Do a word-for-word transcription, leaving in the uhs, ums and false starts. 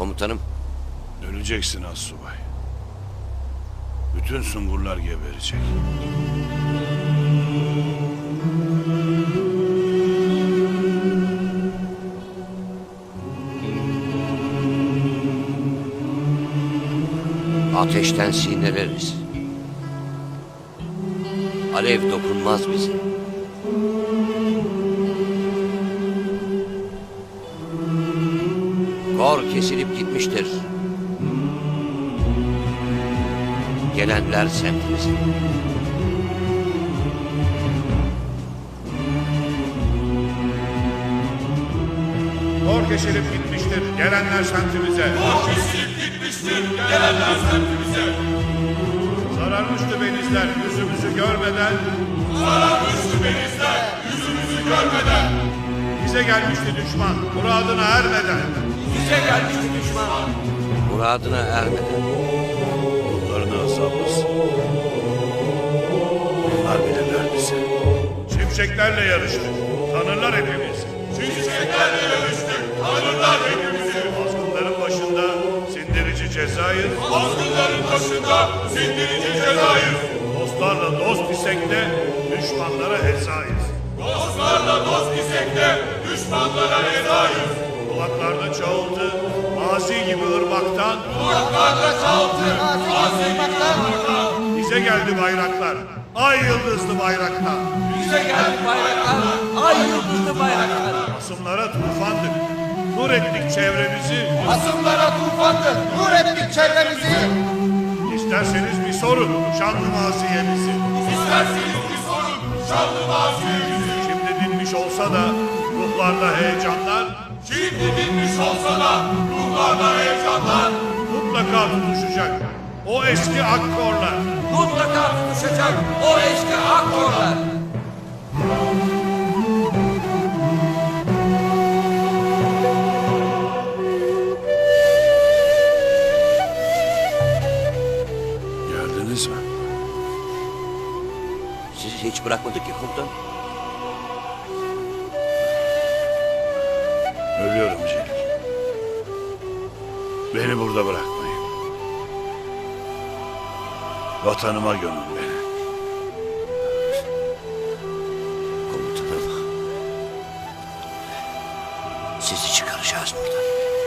Komutanım. Öleceksin astsubay. Bütün Sungurlar geberecek. Ateşten sinirleriz. Alev dokunmaz bize. Kor kesilip gitmiştir. Gelenler semtimize. Kor kesilip gitmiştir, gelenler semtimize. Kor kesilip gitmiştir, gelenler semtimize. Sararmıştı benizler, yüzümüzü görmeden. Sararmıştı benizler, yüzümüzü görmeden. Bize gelmişti düşman, muradına ermeden. Bize gelmişti düşman. Muradına ermeden. Yollarını azalmasın. Onlar bilirler bize. Şimşeklerle yarıştık, tanırlar hepimiz. Şimşeklerle yarıştık, tanırlar hepimizi. Azgınların başında sindirici cezayız. Azgınların başında sindirici cezayız. Dostlarla dost isek de düşmanlara hezayız. Dostlarla dost isek de düşmanlara ezayız. Kulaklarda çağıldı, mazi gibi ırmaktan. Kulaklarda çaldı, azimlikten. Bize geldi bayraklar, ay yıldızlı bayraklar. Bize geldi bayraklar, ay yıldızlı bayraklar. Asımlara tufandık, nur ettik çevremizi. Asımlara tufandık, nur ettik çevremizi. İsterseniz bir sorun şanlı maziyemizi. İsterseniz bir sorun, şanlı mazimizi. Şimdi dinmiş olsa da ruhlarda heyecanlar. Şimdi dinmiş olsa da ruhlarda heyecanlar. Mutlaka tutuşacak o eski akkorlar. Mutlaka tutuşacak o eski akkorlar. Geldiniz mi? Sizi hiç bırakmadık ki komutanım. Ölüyorum Celil. Beni burada bırakmayın. Vatanıma gömün beni. Komutanım. Sizi çıkaracağız buradan.